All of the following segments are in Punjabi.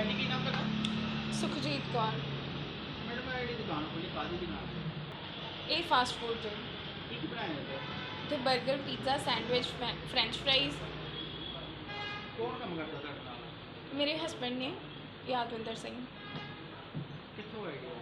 ਭੈਣ ਕੀ ਨਾਮ ਤੁਹਾਡਾ? ਸੁਖਜੀਤ ਕੌਰ। ਮੈਡਮ ਇਹ ਜਿਹੜੀ ਦੁਕਾਨ ਖੋਲੀ ਕਾਹਦੀ ਦੁਕਾਨ ਹੈ? ਇਹ ਫਾਸਟ ਫੂਡ ਦੇ ਕੀ ਕੀ ਬਣਾਇਆ ਜਾਂਦਾ ਹੈ? ਤੇ 버ਗਰ, ਪੀਜ਼ਾ, ਸੈਂਡਵਿਚ, ਫ੍ਰੈਂਚ ਫਰਾਈਜ਼। ਕੌਣ ਕੰਮ ਕਰਦਾ ਤੁਹਾਡੇ ਨਾਲ? ਮੇਰੇ ਹਸਬੈਂਡ ਨੇ, ਯਾਦਵਿੰਦਰ ਸਿੰਘ। ਕਿੱਥੋਂ ਆਈਡੀਆ?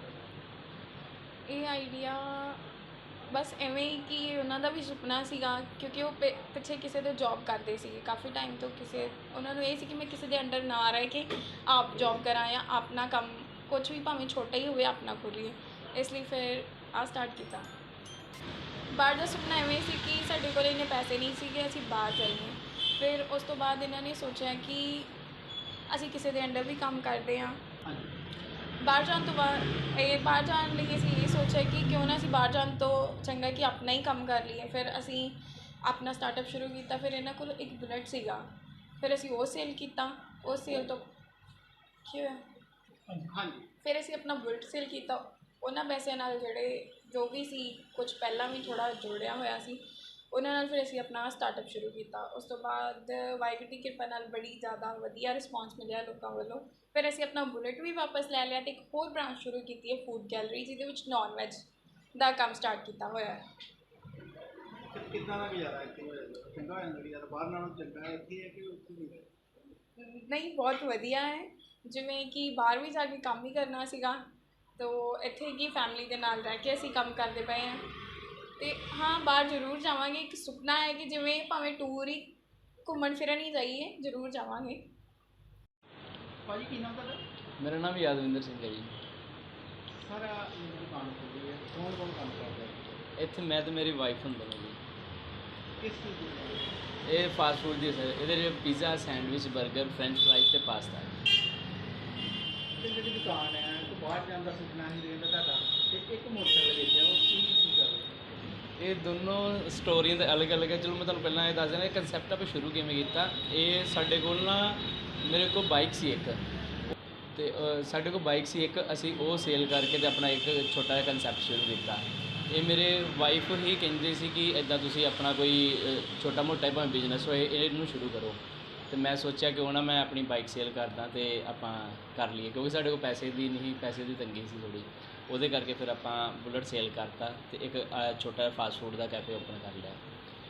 ਇਹ ਆਈਡੀਆ ਬਸ ਐਵੇਂ ਹੀ ਕਿ ਉਹਨਾਂ ਦਾ ਵੀ ਸੁਪਨਾ ਸੀਗਾ, ਕਿਉਂਕਿ ਉਹ ਪਿੱਛੇ ਕਿਸੇ ਦੇ ਜੌਬ ਕਰਦੇ ਸੀਗੇ ਕਾਫੀ ਟਾਈਮ ਤੋਂ। ਉਹਨਾਂ ਨੂੰ ਇਹ ਸੀ ਕਿ ਮੈਂ ਕਿਸੇ ਦੇ ਅੰਡਰ ਨਾ ਰਹਿ ਕੇ ਆਪ ਜੌਬ ਕਰਾਂ ਜਾਂ ਆਪਣਾ ਕੰਮ ਕੁਝ ਵੀ ਭਾਵੇਂ ਛੋਟਾ ਹੀ ਹੋਵੇ ਆਪਣਾ ਖੋਲ੍ਹੀਏ। ਇਸ ਲਈ ਫਿਰ ਸਟਾਰਟ ਕੀਤਾ। ਬਾਹਰ ਦਾ ਸੁਪਨਾ ਐਵੇਂ ਸੀ ਕਿ ਸਾਡੇ ਕੋਲ ਇੰਨੇ ਪੈਸੇ ਨਹੀਂ ਸੀਗੇ ਅਸੀਂ ਬਾਹਰ ਜਾਈਏ। ਫਿਰ ਉਸ ਤੋਂ ਬਾਅਦ ਇਹਨਾਂ ਨੇ ਸੋਚਿਆ ਕਿ ਅਸੀਂ ਕਿਸੇ ਦੇ ਅੰਡਰ ਵੀ ਕੰਮ ਕਰਦੇ ਹਾਂ। ਬਾਹਰ ਜਾਣ ਤੋਂ ਬਾਹਰ ਜਾਣ ਲਈ ਅਸੀਂ ਇਹ ਸੋਚਿਆ ਕਿ ਕਿਉਂ ਨਾ ਅਸੀਂ ਬਾਹਰ ਜਾਣ ਤੋਂ ਚੰਗਾ ਕਿ ਆਪਣਾ ਹੀ ਕੰਮ ਕਰ ਲਈਏ। ਫਿਰ ਅਸੀਂ ਆਪਣਾ ਸਟਾਰਟਅਪ ਸ਼ੁਰੂ ਕੀਤਾ। ਫਿਰ ਇਹਨਾਂ ਕੋਲ ਇੱਕ ਬੁਲਟ ਸੀਗਾ, ਫਿਰ ਅਸੀਂ ਉਹ ਸੇਲ ਕੀਤਾ। ਉਹ ਸੇਲ ਤੋਂ ਕੀ ਹੋਇਆ, ਹਾਂਜੀ, ਫਿਰ ਅਸੀਂ ਆਪਣਾ ਬੁਲਟ ਸੇਲ ਕੀਤਾ। ਉਹਨਾਂ ਪੈਸਿਆਂ ਨਾਲ ਜੋ ਵੀ ਸੀ, ਕੁਝ ਪਹਿਲਾਂ ਵੀ ਥੋੜ੍ਹਾ ਜੋੜਿਆ ਹੋਇਆ ਸੀ, ਉਹਨਾਂ ਨਾਲ ਫਿਰ ਅਸੀਂ ਆਪਣਾ ਸਟਾਰਟਅਪ ਸ਼ੁਰੂ ਕੀਤਾ। ਉਸ ਤੋਂ ਬਾਅਦ ਵਾਹਿਗੁਰੂ ਦੀ ਕਿਰਪਾ ਨਾਲ ਬੜੀ ਜ਼ਿਆਦਾ ਵਧੀਆ ਰਿਸਪੌਂਸ ਮਿਲਿਆ ਲੋਕਾਂ ਵੱਲੋਂ। ਫਿਰ ਅਸੀਂ ਆਪਣਾ ਬੁਲਟ ਵੀ ਵਾਪਸ ਲੈ ਲਿਆ ਅਤੇ ਇੱਕ ਹੋਰ ਬ੍ਰਾਂਚ ਸ਼ੁਰੂ ਕੀਤੀ ਹੈ ਫੂਡ ਗੈਲਰੀ, ਜਿਹਦੇ ਵਿੱਚ ਨੌਨ ਵੈਜ ਦਾ ਕੰਮ ਸਟਾਰਟ ਕੀਤਾ ਹੋਇਆ ਹੈ। ਕਿੱਦਾਂ ਦਾ ਗੁਜ਼ਾਰਾ ਇੱਥੇ ਹੋ ਜਾਂਦਾ? ਚੰਗਾ ਹੋ ਜਾਂਦਾ ਗੁਜ਼ਾਰਾ? ਬਾਹਰ ਨਾਲੋਂ ਚੰਗਾ ਹੈ ਇੱਥੇ ਹੈ ਕਿ ਉੱਥੇ ਨਹੀਂ? ਨਹੀਂ, ਬਹੁਤ ਵਧੀਆ ਹੈ। ਜਿਵੇਂ ਕਿ ਬਾਹਰ ਵੀ ਜਾ ਕੇ ਕੰਮ ਹੀ ਕਰਨਾ ਸੀਗਾ, ਤੋ ਇੱਥੇ ਕੀ ਫੈਮਿਲੀ ਦੇ ਨਾਲ ਰਹਿ ਕੇ ਅਸੀਂ ਕੰਮ ਕਰਦੇ ਪਏ ਹਾਂ। ਅਤੇ ਹਾਂ, ਬਾਹਰ ਜ਼ਰੂਰ ਜਾਵਾਂਗੇ। ਇੱਕ ਸੁਪਨਾ ਹੈ ਕਿ ਜਿਵੇਂ ਭਾਵੇਂ ਟੂਰ ਹੀ ਘੁੰਮਣ ਫਿਰਨ ਹੀ ਜਾਈਏ, ਜ਼ਰੂਰ ਜਾਵਾਂਗੇ। ਭਾਜੀ ਕੀ ਨਾਮ ਤੁਹਾਡਾ? ਮੇਰਾ ਨਾਮ ਯਾਦਵਿੰਦਰ ਸਿੰਘ ਹੈ ਜੀ। ਸਾਰਾ ਦੁਕਾਨ ਖੋਲੀ ਹੈ, ਕੌਣ ਕੌਣ ਕੰਮ ਕਰਦਾ ਹੈ? ਇੱਥੇ ਮੈਂ ਤੇ ਮੇਰੀ ਵਾਈਫ ਹੁੰਦੇ ਨੇ ਜੀ। ਕਿਸ ਚੀਜ਼ ਦੀ ਦੁਕਾਨ ਹੈ? ਇਹ ਫਾਸਟ ਫੂਡ ਦੀ ਸਰ, ਇਹਦੇ ਵਿੱਚ ਪੀਜ਼ਾ, ਸੈਂਡਵਿਚ, 버ਗਰ, ਫ੍ਰੈਂਚ ਫਰਾਈਜ਼ ਤੇ ਪਾਸਤਾ। ਤੇ ਜਿਹੜੀ ਦੁਕਾਨ ਹੈ ਉਹ ਬਾਹਰ ਜਾਣ ਦਾ ਸੁਪਨਾ ਨਹੀਂ ਰਹਿੰਦਾ ਤੁਹਾਡਾ, ਤੇ ਇੱਕ ਮੋਟਰਸਾਈਕਲ ਵੇਚਿਆ, ਉਹ ਕੀ ਕਰ ਰਹੇ? ਇਹ ਦੋਨੋਂ ਸਟੋਰੀਆਂ ਤਾਂ ਅਲੱਗ-ਅਲੱਗ ਹੈ। ਚਲੋ ਮੈਂ ਤੁਹਾਨੂੰ ਪਹਿਲਾਂ ਇਹ ਦੱਸ ਦਿੰਦਾ ਇਹ ਕਨਸੈਪਟ ਆਪਾਂ ਸ਼ੁਰੂ ਕਿਵੇਂ ਕੀਤਾ। ਇਹ ਸਾਡੇ ਕੋਲ ਨਾ, ਮੇਰੇ ਕੋਲ ਬਾਈਕ ਸੀ ਇੱਕ, ਤੇ ਸਾਡੇ ਕੋਲ ਬਾਈਕ ਸੀ ਇੱਕ, ਅਸੀਂ ਉਹ ਸੇਲ ਕਰਕੇ ਤੇ ਆਪਣਾ ਇੱਕ ਛੋਟਾ ਜਿਹਾ ਕਨਸੈਪਟ ਸ਼ੁਰੂ ਕੀਤਾ। ਇਹ ਮੇਰੇ ਵਾਈਫ ਹੀ ਕਹਿੰਦੇ ਸੀ ਕਿ ਇੱਦਾਂ ਤੁਸੀਂ ਆਪਣਾ ਕੋਈ ਛੋਟਾ ਮੋਟਾ ਭਾਵੇਂ ਬਿਜ਼ਨਸ ਹੋਏ ਇਹਨੂੰ ਸ਼ੁਰੂ ਕਰੋ। ਤੇ ਮੈਂ ਸੋਚਿਆ ਕਿ ਉਹ ਨਾ ਮੈਂ ਆਪਣੀ ਬਾਈਕ ਸੇਲ ਕਰਦਾ ਤੇ ਆਪਾਂ ਕਰ ਲਈਏ, ਕਿਉਂਕਿ ਸਾਡੇ ਕੋਲ ਪੈਸੇ ਦੀ ਤੰਗੀ ਸੀ ਥੋੜ੍ਹੀ, ਉਹਦੇ ਕਰਕੇ ਫਿਰ ਆਪਾਂ ਬੁਲਟ ਸੇਲ ਕਰਤਾ ਤੇ ਇੱਕ ਛੋਟਾ ਜਿਹਾ ਫਾਸਟ ਫੂਡ ਦਾ ਕੈਫੇ ਓਪਨ ਕਰ ਲਿਆ।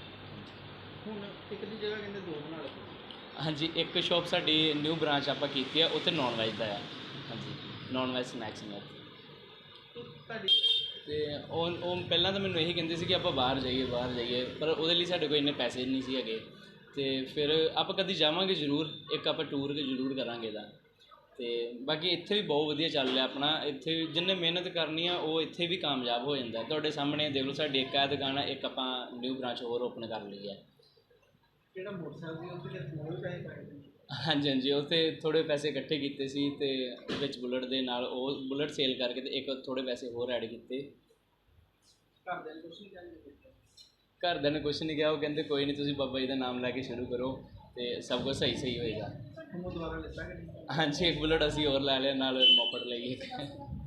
ਹੁਣ ਇੱਕ ਦੀ ਜਗ੍ਹਾ ਕਹਿੰਦੇ ਦੋ ਬਣਾ ਲਓ। ਹਾਂਜੀ, ਇੱਕ ਸ਼ੋਪ ਸਾਡੀ ਨਿਊ ਬ੍ਰਾਂਚ ਆਪਾਂ ਕੀਤੀ ਆ, ਉੱਥੇ ਨੌਨ ਵੈਜ ਦਾ ਆ। ਹਾਂਜੀ, ਨੌਨ ਵੈਜ ਸਨੈਕਸ ਨੇ ਉੱਥੇ। ਤੁਹਾਡੀ ਤੇ ਉਹ ਪਹਿਲਾਂ ਤਾਂ ਮੈਨੂੰ ਇਹੀ ਕਹਿੰਦੇ ਸੀ ਕਿ ਆਪਾਂ ਬਾਹਰ ਜਾਈਏ, ਪਰ ਉਹਦੇ ਲਈ ਸਾਡੇ ਕੋਲ ਇੰਨੇ ਪੈਸੇ ਨਹੀਂ ਸੀ ਹੈਗੇ। ਤੇ ਫਿਰ ਆਪਾਂ ਕਦੀ ਜਾਵਾਂਗੇ ਜ਼ਰੂਰ, ਇੱਕ ਆਪਾਂ ਟੂਰ ਜ਼ਰੂਰ ਕਰਾਂਗੇ ਇਹਦਾ। ਤੇ ਬਾਕੀ ਇੱਥੇ ਵੀ ਬਹੁਤ ਵਧੀਆ ਚੱਲ ਰਿਹਾ ਆਪਣਾ। ਇੱਥੇ ਜਿੰਨੇ ਮਿਹਨਤ ਕਰਨੀ ਆ ਉਹ ਇੱਥੇ ਵੀ ਕਾਮਯਾਬ ਹੋ ਜਾਂਦਾ। ਤੁਹਾਡੇ ਸਾਹਮਣੇ ਦੇਖ ਲਓ, ਸਾਡੀ ਇੱਕ ਦੁਕਾਨ ਆ, ਇੱਕ ਆਪਾਂ ਨਿਊ ਬ੍ਰਾਂਚ ਹੋਰ ਓਪਨ ਕਰ ਲਈ ਹੈ। ਜਿਹੜਾ ਮੋਟਰਸਾਈਕਲ ਸੀ ਉੱਥੇ ਥੋੜ੍ਹੇ ਪੈਸੇ ਪਾਏ ਨੇ? ਹਾਂਜੀ, ਉੱਥੇ ਥੋੜ੍ਹੇ ਪੈਸੇ ਇਕੱਠੇ ਕੀਤੇ ਸੀ ਤੇ ਵਿੱਚ ਬੁਲਟ ਦੇ ਨਾਲ ਉਹ ਬੁਲਟ ਸੇਲ ਕਰਕੇ ਤੇ ਇੱਕ ਥੋੜ੍ਹੇ ਪੈਸੇ ਹੋਰ ਐਡ ਕੀਤੇ। ਘਰਦਿਆਂ ਨੇ ਕੁਛ ਨਹੀਂ ਕਹਿੰਦੇ? ਘਰਦਿਆਂ ਨੇ ਕੁਛ ਨਹੀਂ ਕਿਹਾ, ਉਹ ਕਹਿੰਦੇ ਕੋਈ ਨਹੀਂ, ਤੁਸੀਂ ਬਾਬਾ ਜੀ ਦਾ ਨਾਮ ਲੈ ਕੇ ਸ਼ੁਰੂ ਕਰੋ ਤੇ ਸਭ ਕੁਝ ਸਹੀ ਹੋਏਗਾ। ਹੁਣ ਦੁਬਾਰਾ ਲਿੱਤਾ ਕਿ ਨਹੀਂ? ਹਾਂਜੀ, ਇੱਕ ਬੁਲਟ ਅਸੀਂ ਹੋਰ ਲੈ ਲਿਆ, ਨਾਲ ਮੋਪੜ ਲਈ ਇੱਕ।